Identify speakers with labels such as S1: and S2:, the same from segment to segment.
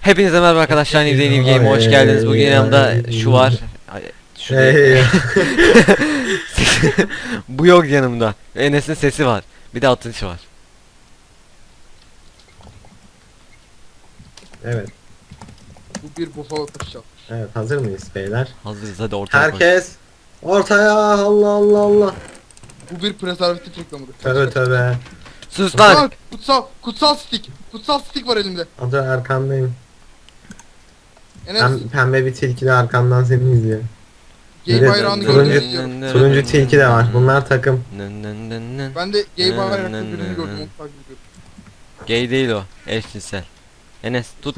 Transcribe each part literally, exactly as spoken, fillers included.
S1: Hepinize merhaba arkadaşlar, New Day New Game'e hoş geldiniz. Bugün yanımda şu var. Ay, Şu değil. Bu yok yanımda. Enes'in sesi var. Bir de atılışı var.
S2: Evet,
S3: Bu bir bufalo taşı.
S2: evet hazır mıyız beyler?
S1: Hazırız, hadi ortaya koy.
S2: Herkes ortaya. Allah Allah Allah.
S3: Bu bir prezervatif reklamıdır.
S2: Tövbe tövbe.
S1: Sus lan.
S3: Kutsal, kutsal, kutsal stick. Kutsal stick var elimde.
S2: Adı arkandayım.
S3: Enes,
S2: Pem, pembe bir tilki de arkandan seni izliyor.
S3: gay
S2: Evet,
S3: bayrağını
S2: turuncu-
S3: görmek istiyorum.
S2: Turuncu tilki de var. Bunlar takım.
S1: Nın nın nın nın.
S3: Ben de gay
S1: Nı,
S3: bayraklı
S1: nı,
S3: birini
S1: nı,
S3: gördüm,
S1: nı.
S3: onu takip ediyorum.
S1: Gay değil o. Eşcinsel. Enes tut.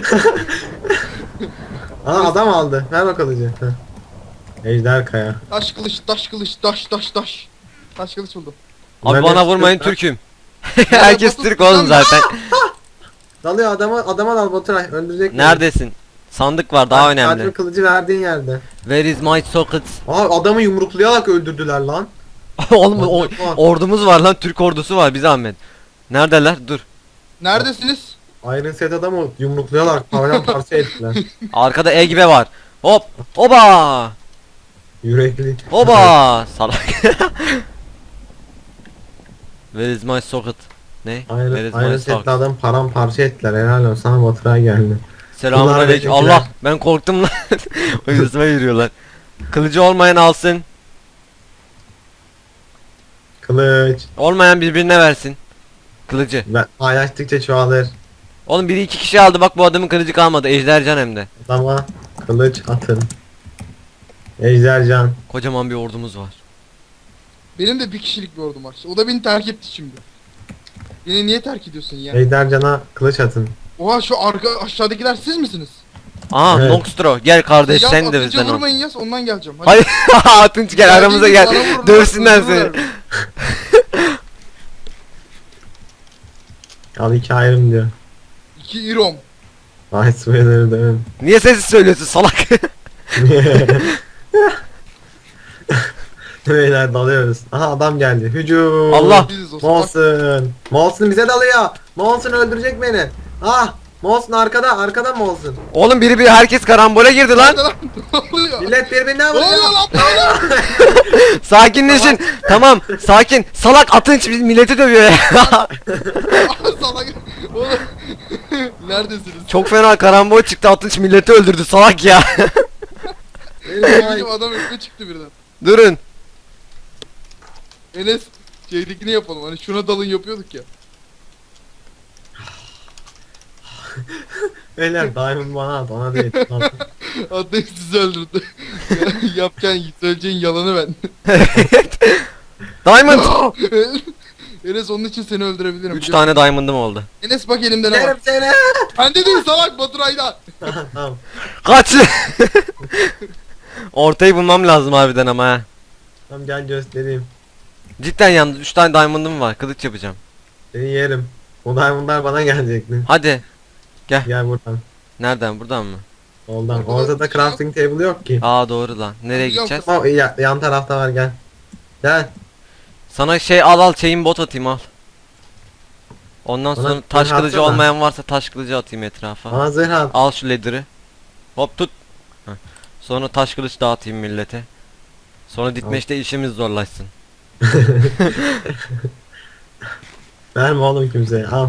S2: Aa adam aldı. Ver o kılıcı. Heh. Ejder Kaya.
S3: Taş kılıç, taş kılıç, taş, taş, taş. Taş kılıç buldum.
S1: Abi
S2: Ben
S1: bana
S2: de-
S1: vurmayın, Türk'üm. Herkes
S3: Batu,
S1: Türk oğlum
S3: sen-
S1: zaten.
S2: Dalıyor adama, adama dal Baturay. Öldürecek beni.
S1: Neredesin? Sandık var, daha
S2: Bak,
S1: önemli.
S2: Sadece kılıcı verdiğin yerde.
S1: Where is my socket?
S2: Aa adamı yumruklayarak öldürdüler lan.
S1: Oğlum o,
S2: Bak, bak.
S1: ordumuz var lan, Türk ordusu var, bir zahmet. Neredeler? Dur.
S3: Neredesiniz?
S2: Iron Set adamı yumruklayarak param parça ettiler.
S1: Arkada Egbe var. Hop. Oba.
S2: Yürekli.
S1: Oba. Salak. Where is my socket? Ne? Where
S2: Iron,
S1: is my
S2: Iron Set'li
S1: socket?
S2: adam param parça ettiler. Helal olsun sana Baturay geldi.
S1: Selamünaleyküm.
S2: Bunlar
S1: Allah, ben korktum lan. O yüzüme yürüyorlar. Kılıcı olmayan alsın.
S2: Kılıç.
S1: Olmayan birbirine versin. Kılıcı.
S2: Ben paylaştıkça çoğalır.
S1: Oğlum biri iki kişi aldı, bak bu adamın kılıcı kalmadı. Ejdercan hem de.
S2: Adama kılıç atın. Ejdercan.
S1: Kocaman bir ordumuz var.
S3: Benim de bir kişilik bir ordum var. O da beni terk etti şimdi. Beni niye terk ediyorsun ya?
S2: Ejdercan'a kılıç atın.
S3: Oha, şu arka aşağıdakiler siz misiniz?
S1: Aa,
S2: Evet.
S1: Noxtro gel kardeş,
S3: Yaz,
S1: sen de
S3: atınca
S1: bizden ol.
S3: vurmayın yaz, ondan geleceğim. Hadi.
S1: Hayır. Atınç gel aramıza gel.
S3: Bana vururlar,
S1: Dövsünler seni.
S3: öldürürler.
S2: Al iki ayrım diyor.
S3: İki irom.
S2: Ay Sweater'ı dövün.
S1: Niye sessiz söylüyorsun salak?
S2: Beyler dalıyoruz. Aha adam geldi. Hücum.
S1: Allah.
S3: Biziz o salak.
S2: Molson. Molson bize dalıyor. Molson öldürecek beni. Ah. Molson arkada. Arkada Molson.
S1: Oğlum biri bir herkes karambole girdi lan.
S3: Nerede lan? Ne oluyor?
S2: Millet birbirinden
S3: Ne oluyor
S2: vuruyor.
S3: lan? Ne oluyor?
S1: Sakinleşin. Tamam, sakin. Salak Atınç biz milleti dövüyor ya.
S3: Salak. Oğlum. Neredesiniz?
S1: Çok fena karambol çıktı, Atınç milleti öldürdü salak ya.
S2: Benim ay-
S3: Bizim adam önüme çıktı birden.
S1: Durun.
S3: Enes şeydekini yapalım. Hani şuna dalın yapıyorduk ya.
S2: Beyler Diamond bana at. Ona değil.
S3: Adam sizi öldürdü. Yapacağın, söyleyeceğin yalanı ben.
S1: Diamond.
S3: Enes onun için seni öldürebilirim.
S1: Üç tane diamond'ım oldu.
S3: Enes bak elimde ne var.
S2: Yerim seni.
S3: Bende değil salak, Baturay'da.
S2: Tamam.
S1: Kaç. Ortayı bulmam lazım harbiden ama ha.
S2: Tamam gel göstereyim.
S1: Cidden yalnız üç tane diamond'ım var. Kılıç yapacağım.
S2: Seni yerim. O Diamond'lar bana gelecekti.
S1: Hadi.
S2: Gel buradan.
S1: Nereden? Buradan mı?
S2: Soldan.
S3: Orada
S2: Orada da
S3: bir şey yok.
S2: crafting table yok ki.
S1: Aa doğru lan. Nereye
S3: Biliyorum,
S1: gideceğiz?
S2: Ama ya- yan tarafta var gel. Gel.
S1: Sana şey al al chain bot atayım al. Ondan
S2: Bana
S1: sonra taş
S2: zırh
S1: kılıcı
S2: atsana.
S1: olmayan varsa taş kılıcı atayım etrafa.
S2: Bana zırh at.
S1: Al şu lediri. Hop tut. Heh. Sonra taş kılıç dağıtayım millete. Sonra ditmeşte işimiz zorlaşsın.
S2: Verme oğlum kimseye al.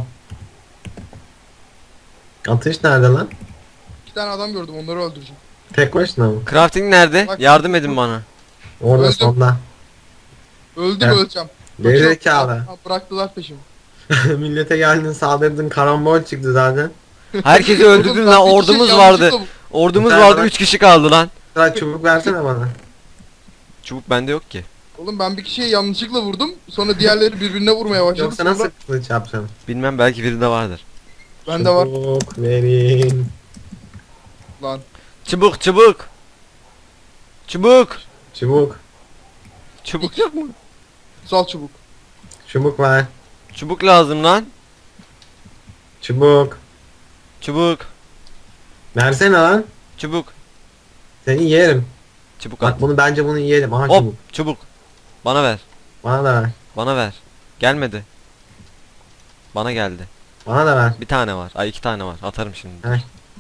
S2: Atış nerede lan?
S3: İki tane adam gördüm, onları öldüreceğim.
S2: Tek başına mı?
S1: Crafting nerede?
S3: Bak-
S1: Yardım edin bana.
S2: Orada
S3: Öldüm.
S2: sonda.
S3: Öldüm,
S2: Evet.
S3: öleceğim.
S2: Gerizekalı.
S3: Ha, bıraktılar peşimi.
S2: Millete geldin saldırdın karambol çıktı zaten.
S1: Herkesi öldürdün
S3: Oğlum,
S1: lan,
S3: ben bir kişi
S1: ordumuz
S3: yanlışlıkla
S1: vardı.
S3: bu-
S1: Ordumuz
S2: Ben
S1: vardı,
S2: bana-
S1: üç kişi kaldı lan.
S2: Sıra çubuk versene bana.
S1: Çubuk bende yok ki.
S3: Oğlum ben bir kişiye yanlışlıkla vurdum. Sonra diğerleri birbirine vurmaya başladı.
S2: Yoksa
S3: Sonra
S2: nasıl kılıç yapacaksın?
S1: Bilmem, belki birinde vardır.
S3: bende var.
S2: Çubuk verin.
S3: Lan.
S1: Çubuk çubuk. Çubuk.
S2: Çubuk.
S1: Çubuk yok mu?
S3: Sal çubuk.
S2: Çubuk ver.
S1: Çubuk lazım lan.
S2: Çubuk.
S1: Çubuk.
S2: Versene lan.
S1: Çubuk.
S2: Seni yerim.
S1: Çubuk at.
S2: Bak bunu bence bunu yiyelim. Aha
S1: Hop
S2: çubuk.
S1: çubuk. Bana ver.
S2: Bana da ver.
S1: Bana ver. Gelmedi. Bana geldi.
S2: Bana da ver.
S1: Bir tane var. Ay iki tane var. Atarım şimdi.
S2: Heh.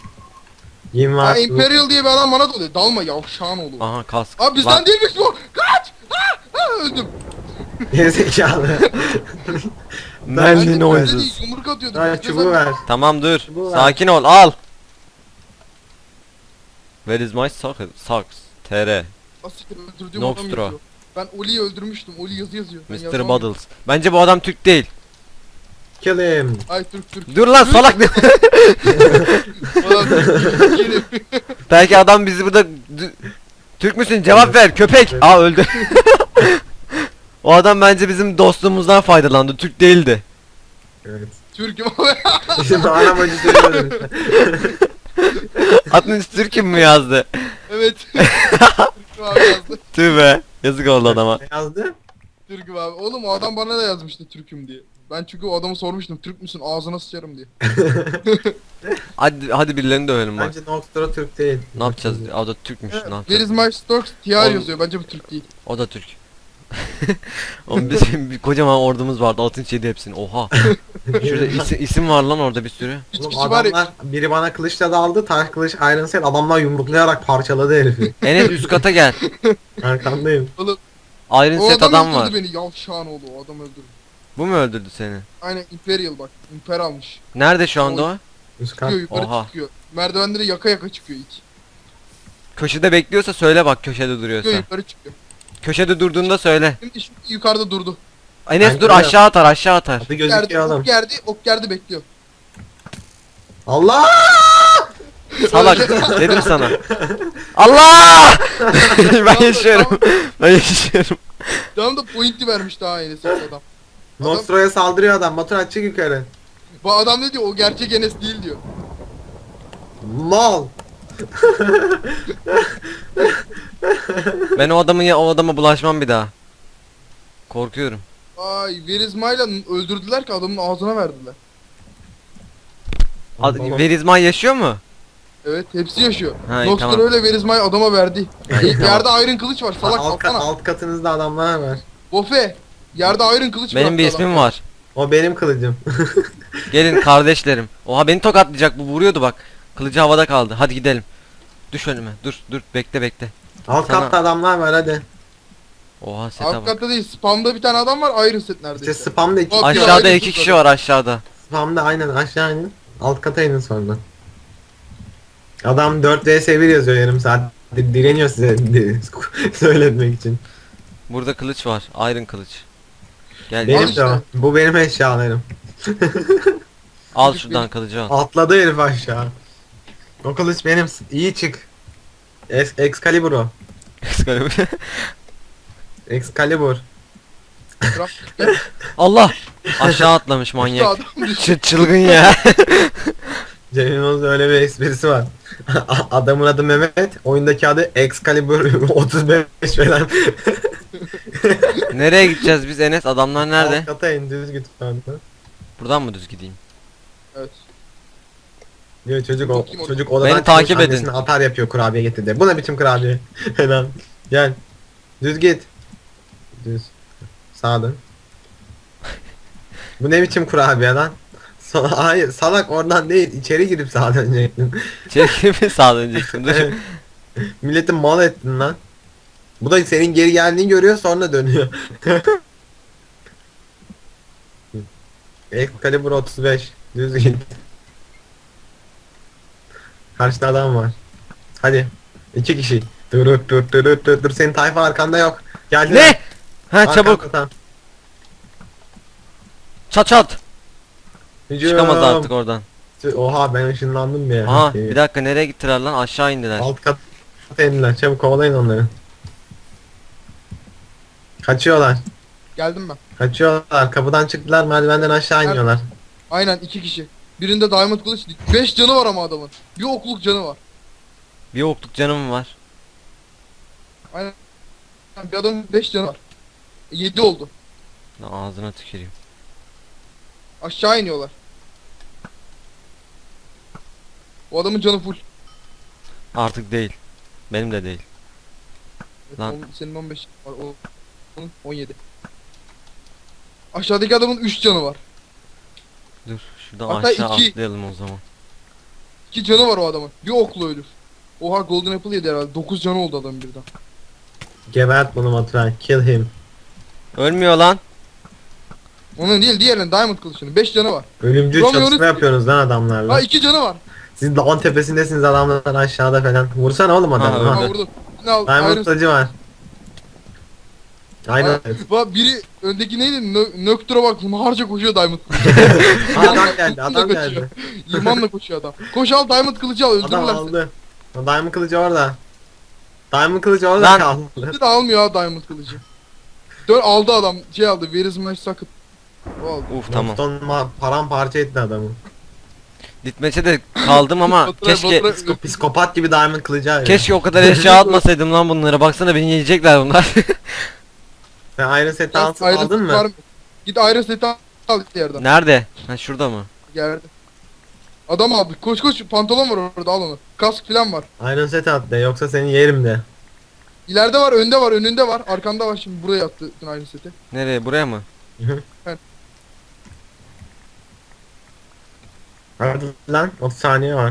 S2: Yim
S3: Ha,
S2: var.
S3: Imperial diye bir adam bana dalıyor. Dalma yavşağın oğlu.
S1: Aha kask.
S3: Abi bizden
S1: Lan,
S3: değilmiş bu. Kaç! Ha! Ha! Öldüm.
S2: Gerizekalı.
S1: Merlin
S3: Bence bizde
S1: oynasın.
S3: değil, yumruk atıyordu.
S2: Ha
S3: Bizde
S2: çubuğu
S3: sen-
S2: ver.
S1: Tamam dur.
S2: Bu var.
S1: Sakin ol. Al. Where is my socket? Socks. T R.
S3: Asiktir öldürdüğüm
S1: Nox
S3: adam
S1: Draw.
S3: yazıyor. Ben Oli'yi öldürmüştüm. Oli yazı yazıyor. Ben
S1: mister
S3: yazamam.
S1: Buddles. Bence bu adam Türk değil.
S2: Kill him.
S3: Ay Türk Türk.
S1: Dur lan
S3: Türk.
S1: salak.
S3: Adam Türk. Gelin.
S1: Belki adam bizi burada D- Türk müsün? Cevap ver köpek.
S2: Evet.
S1: Aa öldü. O adam bence bizim dostluğumuzdan faydalandı. Türk değildi.
S2: Evet.
S3: Türk'üm abi.
S2: Şimdi anam acı söylüyorum.
S1: Adın Türk'üm mü yazdı?
S3: Evet. Türk'üm abi yazdı.
S1: Tüh be. Yazık oldu adama.
S2: Ne yazdı?
S3: Türk'üm abi. Oğlum o adam bana da yazmıştı Türk'üm diye. Ben çünkü o adamı sormuştum. Türk müsün? Ağzına sıçarım diye.
S1: Hadi hadi birilerini dövelim bak.
S2: Bence Noxtra Türk değil.
S1: Ne yapacağız? O da Türkmüş. Ne
S3: Where
S1: yapacağız?
S3: is my stocks? T R
S1: Oğlum-
S3: yazıyor. Bence bu Türk değil.
S1: O da Türk. Oğlum bizim bir kocaman ordumuz vardı. Altın yedi hepsini. Oha. Şurada isim, isim var lan orada bir sürü.
S3: Hiç
S2: Oğlum
S3: kişi var ya.
S2: adamlar biri bana kılıçla daldı, taş kılıç Iron Set adamlar yumruklayarak parçaladı herifi.
S1: Enes üst kata gel.
S2: Arkandayım.
S3: Oğlum
S1: Iron
S3: o
S1: set
S3: adam,
S1: adam
S3: öldürdü
S1: var.
S3: beni. Yavşağın oğlu. O adam öldürdü.
S1: Bu mu öldürdü seni?
S3: Aynen Imperial bak. Imper almış.
S1: Nerede şu anda o?
S2: Üst kat.
S3: Çıkıyor yukarı
S1: Oha.
S3: çıkıyor. Merdivenleri yaka yaka çıkıyor ilk.
S1: Köşede bekliyorsa söyle bak köşede
S3: Çıkıyor
S1: duruyorsa.
S3: yukarı çıkıyor.
S1: Köşede durduğunda söyle.
S3: Şimdi, şimdi yukarıda durdu.
S1: Enes
S2: Ben
S1: dur
S2: görüyorum.
S1: aşağı atar aşağı atar.
S2: Adı
S3: Geldi,
S2: gözüküyor oğlum.
S3: ok geldi, ok geldi bekliyor.
S2: Allah!
S1: Salak dedim sana. Allah! ben yaşıyorum. Ben yaşıyorum.
S3: Tamam da pointi vermiş daha yeni ses adam.
S2: Noxtra'ya saldırıyor adam. Batur çık yukarı.
S3: Bu adam ne diyor? O gerçek Enes değil diyor.
S2: Mal.
S1: Ben o adamın ya o adama bulaşmam bir daha. Korkuyorum.
S3: Ay Verizma'yla öldürdüler ki adamın ağzına verdiler.
S1: Ad
S2: Babam-
S1: Verizman yaşıyor mu?
S3: Evet hepsi yaşıyor.
S1: Ha, iyi,
S3: Noxter
S1: tamam.
S3: öyle Verizma'yı adama verdi.
S1: iyi, tamam.
S3: Yerde Iron kılıç var salak
S2: alt, kat,
S3: alsana.
S2: alt katınızda adamlar var.
S3: Bofe. Yerde Iron kılıç var.
S1: Benim bir ismim var.
S2: O benim kılıcım.
S1: Gelin kardeşlerim. Oha beni tokatlayacak bu vuruyordu bak. Kılıcı havada kaldı. Hadi gidelim. Düş önüme. Dur dur bekle bekle.
S2: Alt
S1: Sana-
S2: katta adamlar var hadi.
S1: Oha sete
S3: Alt
S1: bak.
S3: katta değil spamda bir tane adam var Iron set
S2: İşte
S3: neredeyse.
S2: spamda iki
S3: Bak-
S1: Aşağıda
S3: Ayrı
S1: iki
S3: kızlar.
S1: kişi var aşağıda.
S2: spamda aynen aşağı inin. Alt kata inin sonra. Adam dört vs bir yazıyor yarım saat. Di- Direniyor size di- söyletmek için.
S1: Burada kılıç var. Iron kılıç. Gel
S2: Benim
S1: gel.
S3: işte.
S2: de o. Bu benim eşyalarım.
S1: Al
S3: Kılıç
S1: şuradan
S3: benim.
S1: kılıcı al.
S2: Atladı herif aşağı. O kılıç benim. İyi çık. Es Excalibur o. Excalibur.
S3: Craft-
S1: Allah! Aşağı atlamış
S3: İşte
S1: manyak.
S3: adam düştü.
S1: Ç çılgın ya.
S2: Cem Yılmaz'ın öyle bir esprisi var. Adamın adı Mehmet, oyundaki adı Excalibur otuz beş falan.
S1: Nereye gideceğiz biz Enes? Adamlar nerede?
S2: Alt kata in düz git falan.
S1: Buradan mı düz gideyim?
S3: Evet.
S2: Diyor çocuk o
S3: Bakayım o-
S2: çocuk odadan
S1: Beni
S2: çıkmış,
S1: takip edin.
S2: annesine atar yapıyor kurabiye getirdi. Bu ne biçim kurabiye? Hemen gel. Düz git. Düz. Sağa dön. Bu ne biçim kurabiye lan? Sa- Hayır salak oradan değil içeri girip sağa dönecektin.
S1: Çekil mi sağa döneceksin? Dur.
S2: Milleti mal ettin lan. Bu da senin geri geldiğini görüyor sonra dönüyor. Excalibur otuz beş. Düz git. Karşıda adam var. Hadi. İki kişi. Dur dur dur dur dur dur. Senin tayfa arkanda yok. Geldi.
S1: Ne? Ha çabuk. Çat çat. Çıkamaz artık oradan.
S2: Oha ben ışınlandım ya.
S1: Aha bir dakika nereye gittiler lan? Aşağı indiler.
S2: Alt kat indiler. Çabuk kovalayın onları. Kaçıyorlar.
S3: Geldim ben.
S2: Kaçıyorlar. Kapıdan çıktılar. Merdivenden aşağı
S3: Nerede?
S2: iniyorlar.
S3: Aynen iki kişi. Birinde diamond kılıç. beş canı var ama adamın. Bir okluk canı var.
S1: Bir okluk canım var.
S3: Aynen. Bir adamın beş canı var. yedi oldu.
S1: Lan ağzına tüküreyim.
S3: Aşağı iniyorlar. O adamın canı full.
S1: Artık değil. Benim de değil.
S3: Evet,
S1: Lan.
S3: on- senin on beş var. O, onun on yedi. Aşağıdaki adamın üç canı var.
S1: Dur şuradan
S3: Hatta
S1: aşağı
S3: iki.
S1: atlayalım o zaman.
S3: İki canı var o adamın. Bir oklu ölür. Oha Golden Apple yedi herhalde. Dokuz canı oldu adamın birden.
S2: Gebert bunu Baturay. Kill him.
S1: Ölmüyor lan.
S3: Onun değil diğerinin Diamond kılıçının. Beş canı var.
S2: Ölümcül
S3: Romeo
S2: çatışma
S3: Rus-
S2: yapıyorsunuz lan adamlarla.
S3: Ha iki canı var.
S2: Siz dağın tepesindesiniz, adamlar aşağıda falan. Vursana oğlum
S1: Ha,
S2: adamı.
S1: öyle.
S3: Ha
S2: Ha.
S3: vurdum. Ne al?
S2: Diamond
S3: Iron-
S2: kılıcı var. Aynen.
S3: Ha, bak biri öndeki neydi? Nö Nöktur'a bak harca koşuyor Diamond kılıcı.
S2: Adam geldi, adam
S3: Kaçıyor.
S2: geldi.
S3: İmanla koşuyor adam. Koş al Diamond kılıcı al
S2: Adam
S3: öldürürler seni.
S2: aldı. Diamond kılıcı orada. Diamond kılıcı orada
S1: Lan.
S2: kaldı.
S3: Bir de almıyor ha Diamond kılıcı. Dön aldı adam. Şey aldı. Where is my socket? O aldı.
S1: Uf tamam.
S2: Nokton ma- paramparça etti adamı.
S1: Ditmeçe de kaldım ama
S3: Batıra-
S1: keşke
S3: batıra-
S2: Psikopat gibi diamond kılıcı arıyor.
S1: keşke o kadar eşya atmasaydım lan bunlara. Baksana beni yiyecekler bunlar.
S2: Sen Iron Set'i
S3: Ya,
S2: al-
S3: Iron
S2: aldın
S3: Set var
S2: mı?
S3: Git Iron Set'i al al yerden.
S1: Nerede? Ha şurada mı?
S3: Geldi. Adam aldı. Koş koş pantolon var orada al onu. Kask falan var.
S2: Iron Set at de, yoksa seni yerim de.
S3: İleride var, önde var, önünde var, arkanda var şimdi buraya attı Iron Set'i.
S1: Nereye? Buraya mı?
S2: Hadi lan, otuz saniye var.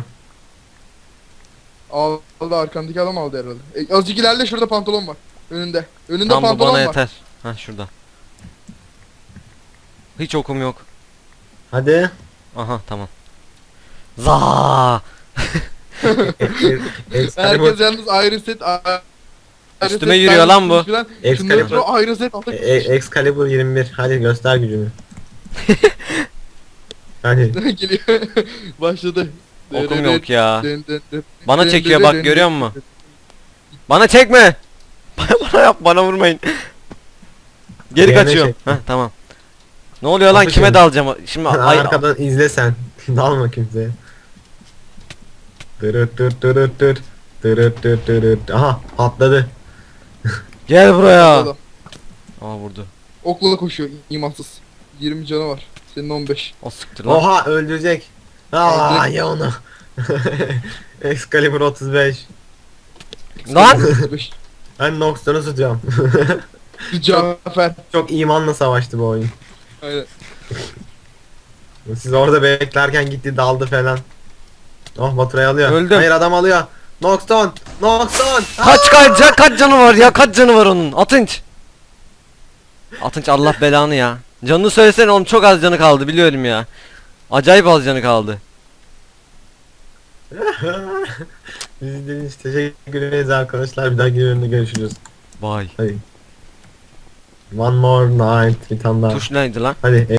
S3: Aldı arkandaki adam aldı herhalde. E, azıcık ileride şurada pantolon var. Önünde. Önünde
S1: Tam bu
S3: pantolon
S1: bana
S3: var.
S1: yeter. Ha şurada. Hiç okum yok.
S2: Hadi.
S1: Aha tamam. Za.
S2: Excalibur,
S3: Herkes yalnız Iron Set Iron
S1: Üstüme
S3: Set,
S1: yürüyor
S3: Diamond
S1: lan bu.
S3: kılıç falan. Şunları
S2: Excalibur.
S3: throw, Iron Set aldı.
S2: E- Excalibur yirmi bir. Hadi göster gücünü. Hadi.
S3: Geliyor. Başladı.
S1: Okum yok ya.
S3: Dön, dön, dön.
S1: Bana
S3: Dön,
S1: çekiyor
S3: dön,
S1: bak
S3: dön,
S1: görüyor
S3: dön.
S1: musun? Bana çekme. Bana yap bana vurmayın. Geri
S2: Diğerine
S1: kaçıyorum.
S2: çekme.
S1: Heh tamam. Ne oluyor lan
S2: Kapı
S1: kime
S2: şimdi.
S1: dalacağım? Şimdi ay
S2: Arkadan izle sen. Dalma kimseye. Dırıt dırıt dırıt dırıt. Dırıt dırıt dırıt. Aha patladı.
S1: gel buraya.
S3: Adam.
S1: Aa vurdu.
S3: Okla koşuyor imansız. yirmi canı var. Senin on beş.
S1: O sıktır lan.
S2: Oha öldürecek. Aa
S3: Öldü.
S2: ya onu. Excalibur otuz beş.
S1: Lan!
S3: otuz beş.
S2: Ben Noxton'u tutuyorum.
S3: Cafer.
S2: Çok imanla savaştı bu oyun.
S3: Aynen.
S2: Siz orada beklerken gitti daldı falan. Oh Baturay'ı alıyor.
S1: Öldüm.
S2: Hayır adam alıyor. Noxton! Noxton!
S1: Kaç kaç ca- kaç canı var ya kaç canı var onun Atınç. Atınç Allah belanı ya. Canını söylesene oğlum çok az canı kaldı biliyorum ya. Acayip az canı kaldı.
S2: Biz izlediğiniz için teşekkür ederiz arkadaşlar. Bir dahaki bölümde görüşürüz.
S1: Vay.
S2: Hadi. One more night. Bir tane daha.
S1: Tuş neydi lan?
S2: Hadi.